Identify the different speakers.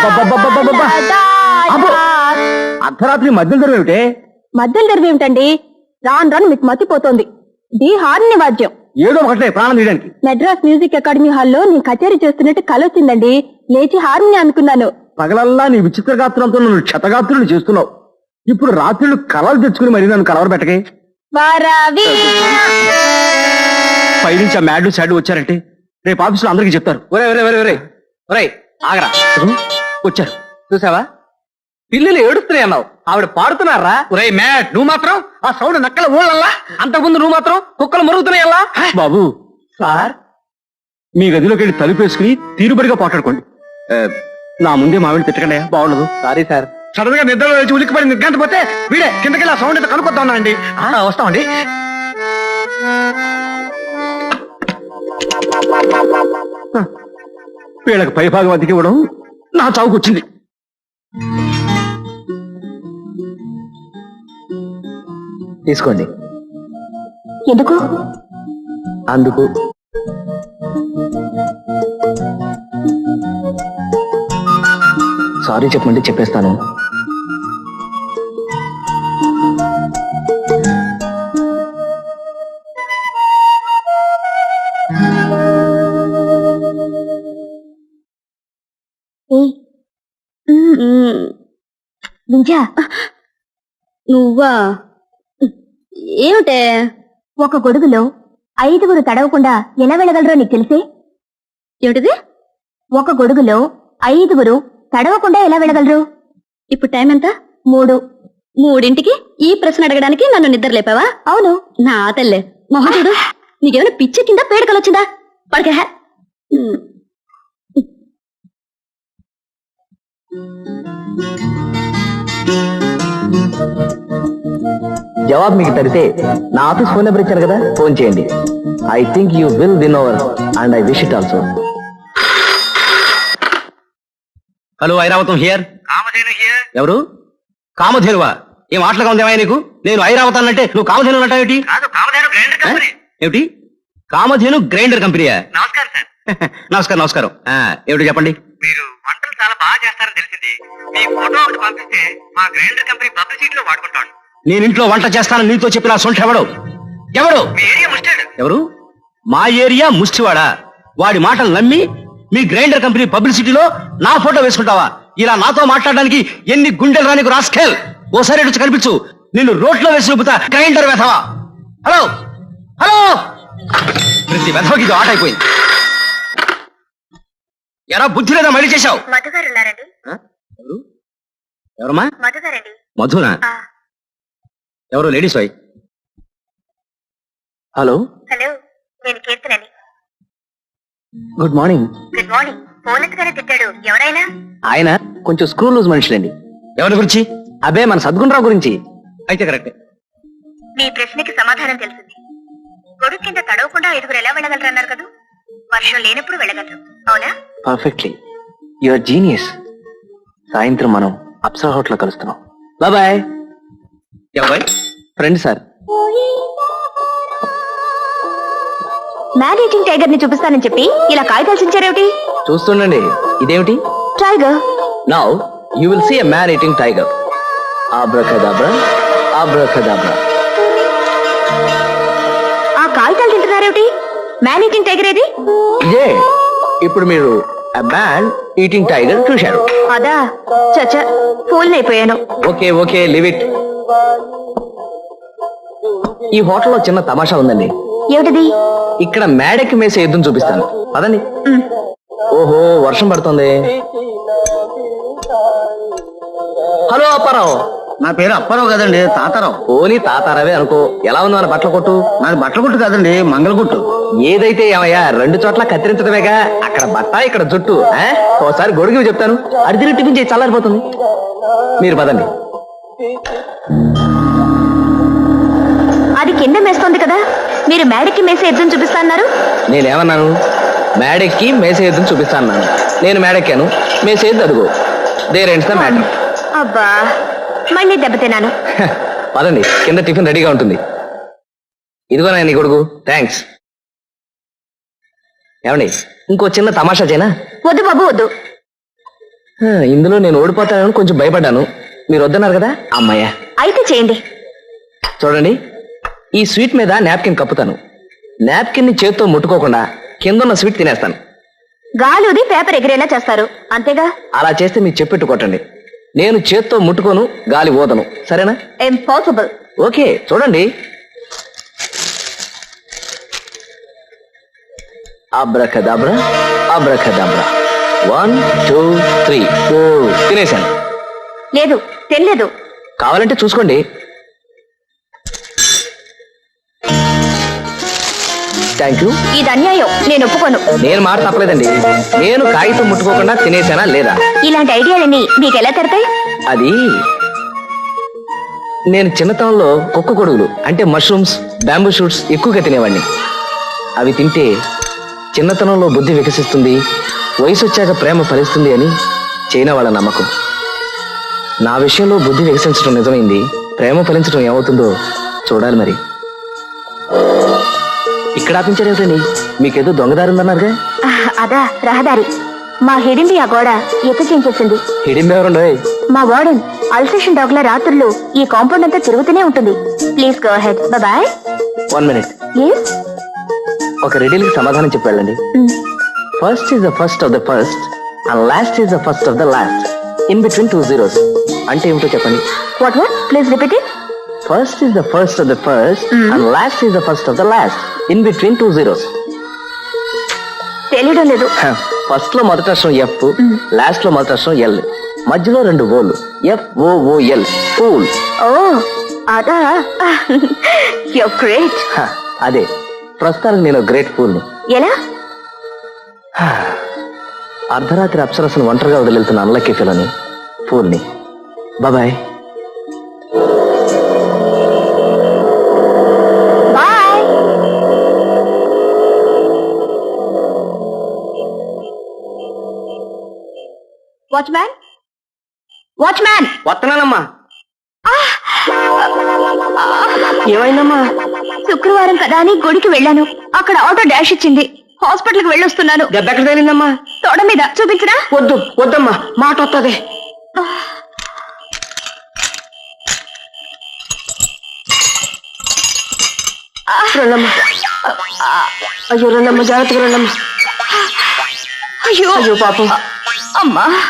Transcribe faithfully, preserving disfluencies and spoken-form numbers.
Speaker 1: అర్ధరాత్రి మధ్యలో తెరవేమిటే?
Speaker 2: మధ్యలో తెరవేమిటండి? రాను రాను మీకు మతిపోతోంది. ది హార్ని వాద్యం
Speaker 1: ఏదో ఒకటే ప్రాణం తీయడానికి.
Speaker 2: మెడ్రాస్ మ్యూజిక్ అకాడమీ హాల్లో నేను కచేరీ చేస్తున్నట్టు కల వచ్చిందండి. లేచి హార్ని అనుకున్నాను.
Speaker 1: పగలల్లా నీ విచిత్ర గాత్రంతో నన్ను క్షతగాత్రులు చేస్తున్నావు. ఇప్పుడు రాత్రులు కలలు తెచ్చుకుని మరి నన్ను కలవర పెట్టకే. పైనుంచి ఆ మ్యాడ్లు శాడ్లు వచ్చారంటే రేపు ఆఫీసులో అందరికీ చెప్తారు. ఒరే ఒరే ఒరే ఒరే ఒరే ఆగరా, వచ్చారు చూసావా? పిల్లలు ఏడుస్తున్నాయి అన్నావు, ఆవిడ పాడుతున్నారా? ఒరే మ్యాడ్, నువ్వు మాత్రం ఆ సౌండ్ నక్కల ఊళ్ళల్లా, అంతకుముందు నువ్వు మాత్రం కుక్కలు మరుగుతున్నాయల్లా. బాబు సార్, మీ గదిలోకి వెళ్ళి తలుపేసుకుని తీరుబడిగా పాటాడుకోండి. నా ముందే మావిడి తిట్టకండి, బాగుండదు. Sorry sir. సడన్ గా నిద్రలో వచ్చి ఉలిక్కిపడి నిర్గంత పోతే వీడే కిందకి ఆ సౌండ్ అయితే కనుక్కొద్దాం అండి. వస్తామండి. వీళ్ళకి పైభాగం అతికి ఇవ్వడం నా చావుకొచ్చింది. తీసుకోండి.
Speaker 2: ఎందుకు?
Speaker 1: అందుకు. సారీ చెప్పమంటే చెప్పేస్తాను.
Speaker 2: వింజా, నువ్వా? ఏమిటే? ఒక గొడుగులో ఐదుగురు తడవకుండా ఎలా వెళ్ళగలరో నీకు తెలిసే? ఏమిటిది? ఒక గొడుగులో ఐదుగురు తడవకుండా ఎలా వెళ్ళగలరు? ఇప్పుడు టైం ఎంత? మూడు. మూడింటికి ఈ ప్రశ్న అడగడానికి నన్ను నిద్ర లేపావా? అవును. నా తల్లే మొహదుడు, నీకేమైనా పిచ్చి కింద పేడకలొచ్చిందా? పడకే.
Speaker 1: జవాబు మీకు తరితే నా ఆఫీస్ ఫోన్ నెంబర్ ఇచ్చారు కదా, ఫోన్ చేయండి. I think you will win over and I wish it also. Hello, Airavatham here. ఎవరు? కామధేనువా? ఏం మాటలుగా ఉందేమా నీకు? నేను ఐరావతం అంటే నువ్వు కామధేను అంటావేటి? ఏమిటి? కామధేను గ్రైండర్ కంపెనీయా? నమస్కారం సార్. నమస్కారం నమస్కారం. ఏమిటి చెప్పండి.
Speaker 3: మీరు వంటలు చాలా బాగా చేస్తారని తెలిసింది. మీ ఫోటో ఒకటి పంపిస్తే మా గ్రైండర్ కంపెనీ పబ్లిసిటీలో వాడుకుంటాను.
Speaker 1: నేను ఇంట్లో వంట చేస్తానని నీతో చెప్పిన సొంట ఎవడు? ఎవడు?
Speaker 3: మీ ఏరియా ముస్టాడు.
Speaker 1: ఎవరు? మా ఏరియా ముష్టివాడా? వాడి మాటలు నమ్మి మీ గ్రైండర్ కంపెనీ పబ్లిసిటీలో నా ఫోటో వేసుకుంటావా? ఇలా నాతో మాట్లాడడానికి ఎన్ని గుండెలు రానికి రాస్కెల్. ఓసారి వచ్చి కనిపించు, నిన్ను రోడ్లో వేసి చూపుతా. గ్రైండర్ వెధవా. హలో హలో, ప్రతి వెధవకి ఇది ఆట అయిపోయింది. ఎరా బుద్ధి లేదా మళ్ళీ చేశావు? ఎవరు? ఎవరమ్మా? మధునా? ఎవరు? Ladies why? హలో
Speaker 2: హలో, నేను కీర్తనని.
Speaker 1: Good morning.
Speaker 2: Good morning. Phone ఎత్తుగానే తిట్టాడు. ఎవరైనా?
Speaker 1: ఆయన కొంచెం స్క్రూ లూజ్ మనుషులండి. ఎవరి గురించి? అబే మన సద్గుణరావు గురించి. అయితే కరెక్టే.
Speaker 2: మీ ప్రశ్నకి సమాధానం తెలిసింది. గొడుగు కింద తడవకుండా ఐదుగురు ఎలా వెళ్ళగలరు అన్నారు కదా. వర్షం లేనప్పుడు వెళ్ళగలరు, అవునా?
Speaker 1: పర్ఫెక్ట్లీ. Your genius. సాయంత్రం మనం అప్సరా హోటల్ కలుస్తున్నాం. బాయ్. ఎవరు? Friend sir.
Speaker 2: Man eating tiger ని చూపిస్తానని చెప్పి ఇలా కాగితాలు చించారేమిటి?
Speaker 1: చూస్తుండండి. ఇదేమిటి?
Speaker 2: Tiger.
Speaker 1: Now you will see a man eating tiger. Abracadabra, abracadabra.
Speaker 2: ఆ కాగితాలు తింటున్నారేమిటి? మ్యాన్ ఈటింగ్ టైగర్ ఏది?
Speaker 1: ఇదే. ఇప్పుడు మీరు a man eating tiger చూశారు.
Speaker 2: అదా? చచ్చ, ఫూల్ అయిపోయాను.
Speaker 1: Okay okay, leave it. ఈ హోటల్లో చిన్న తమాషా ఉందండి.
Speaker 2: ఏమిటిది?
Speaker 1: ఇక్కడ మేడకి మేసే యుద్ధం చూపిస్తాను, పదండి. ఓహో, వర్షం పడుతుంది. హలో అప్పారావు.
Speaker 3: నా పేరు అప్పారావు కదండి, తాతారావు.
Speaker 1: ఓని తాతారావే అనుకో. ఎలా ఉంది మన బట్టల కొట్టు?
Speaker 3: నాది బట్టల కొట్టు కాదండి, మంగళగుట్టు.
Speaker 1: ఏదైతే ఏమయ్యా, రెండు చోట్ల కత్తిరించడమేగా. అక్కడ బట్ట, ఇక్కడ జుట్టు. ఓసారి గొడుగు చెప్తాను, అడిగిన టిఫిన్ చేసి చల్లారిపోతుంది. మీరు పదండి.
Speaker 2: అది కింద మేస్తోంది కదా, మీరు మేడకి మేసే యుద్ధం చూపిస్తాన్నారు.
Speaker 1: నేనేమన్నాను? మేడెక్కి మేసే యుద్ధం చూపిస్తాను. నేను మేడెక్కాను, మేసేది అడుగు. There the matter.
Speaker 2: అబ్బా, మళ్ళీ దెబ్బతిన్నాను.
Speaker 1: పదండి, కింద టిఫిన్ రెడీగా ఉంటుంది. ఇదిగో నా నీ కొడుకు. థ్యాంక్స్. ఏమండి, ఇంకో చిన్న తమాషా చేయనా?
Speaker 2: వద్దు బాబు, వద్దు.
Speaker 1: ఇందులో నేను ఓడిపోతానని కొంచెం భయపడ్డాను, మీరు వద్దన్నారు కదా అమ్మాయ్యా.
Speaker 2: అయితే చేయండి.
Speaker 1: చూడండి, ఈ స్వీట్ మీద నాప్కిన్ కప్పుతాను. నాప్కిన్ ని చేత్తో ముట్టుకోకుండా కిందన్న స్వీట్ తినేస్తాను.
Speaker 2: గాలిది పేపర్ ఎగిరేలా చేస్తారు అంతేగా?
Speaker 1: అలా చేస్తే మీరు చెప్పెట్టు కొట్టండి. నేను చేత్తో ముట్టుకోను, గాలి ఊదను, సరేనా?
Speaker 2: ఇంపాసిబుల్.
Speaker 1: ఓకే, చూడండి. Abracadabra abracadabra. One two three four. తినేశాను.
Speaker 2: లేదు, తెలియదు.
Speaker 1: కావాలంటే చూసుకోండి. Thank you.
Speaker 2: ఇది అన్యాయం, నేను ఒప్పుకోను.
Speaker 1: నేను మాట తప్పలేదండి. నేను కాగితం ముట్టుకోకుండా తినేసానా లేదా?
Speaker 2: ఇలాంటి ఐడియాలన్నీ మీకు ఎలా తెరతాయి?
Speaker 1: అది నేను చిన్నతనంలో కుక్క కొడుగులు అంటే మష్రూమ్స్, బ్యాంబూ షూట్స్ ఎక్కువగా తినేవాడిని. అవి తింటే చిన్నతనంలో బుద్ధి వికసిస్తుంది, వయసు వచ్చాక ప్రేమ ఫలిస్తుంది అని చైనా వాళ్ళ నమ్మకం. నా విషయంలో బుద్ధి వికసించడం నిజమైంది, ప్రేమ ఫలించడం ఏమవుతుందో చూడాలి. మరి ఇక్కడ ఆపించారేమిటండి? మీకేదో దొంగదారి ఉందన్నారుగా?
Speaker 2: ఆహ్, అదా రహదారి. మా హిడింబి ఆ గోడ ఎత్తు చేయించేసింది.
Speaker 1: హిడింబి ఎవరండి?
Speaker 2: మా వార్డెన్ అల్సేషన్ డాగ్ లా రాత్రులు ఈ కాంపౌండ్ అంతా తిరుగుతూనే ఉంటుంది. Please go head. Bye.
Speaker 1: One minute.
Speaker 2: Yes.
Speaker 1: ఒక రెడీలకి సమాధానం చెప్పి వెళ్ళండి. First is the first of the first and last is the first of the last. In between two zeros అంటే ఏమిటో చెప్పండి.
Speaker 2: What what? Please repeat it.
Speaker 1: First is the first of the first and last is the first of the last. In between two zeros.
Speaker 2: తెలియడం లేదు.
Speaker 1: First లో మొదటి అక్షరం F, last లో మొదటి అక్షరం ఎల్, మధ్యలో రెండు ఓలు. F O O L. Fool.
Speaker 2: Oh అదా. You great.
Speaker 1: అదే, ప్రస్తుతానికి నేను గ్రేట్ ఫూల్ ని.
Speaker 2: ఎలా?
Speaker 1: అర్ధరాత్రి అప్సరసను ఒంటరిగా వదిలివెళ్తున్న అన్లక్కీ ఫెలోని, ఫూల్ ని. బాయ్.
Speaker 2: బాయ్. Watchman, watchman.
Speaker 1: వస్తున్నానమ్మా. ఏమైందమ్మా?
Speaker 2: శుక్రవారం కదా అని గుడికి వెళ్ళాను. అక్కడ ఆటో డాష్ ఇచ్చింది. హాస్పిటల్ కి వెళ్ళొస్తున్నాను.
Speaker 1: దెబ్బ ఎక్కడ తగిలిందమ్మా?
Speaker 2: తోడ మీద. చూపించరా?
Speaker 1: వద్దు వద్దమ్మా, మాట వస్తుంది. రండమ్మా. అయ్యో రండమ్మా, జాగ్రత్తగా రండమ్మా.
Speaker 2: అయ్యో
Speaker 1: అయ్యో పాపం.
Speaker 2: అమ్మా.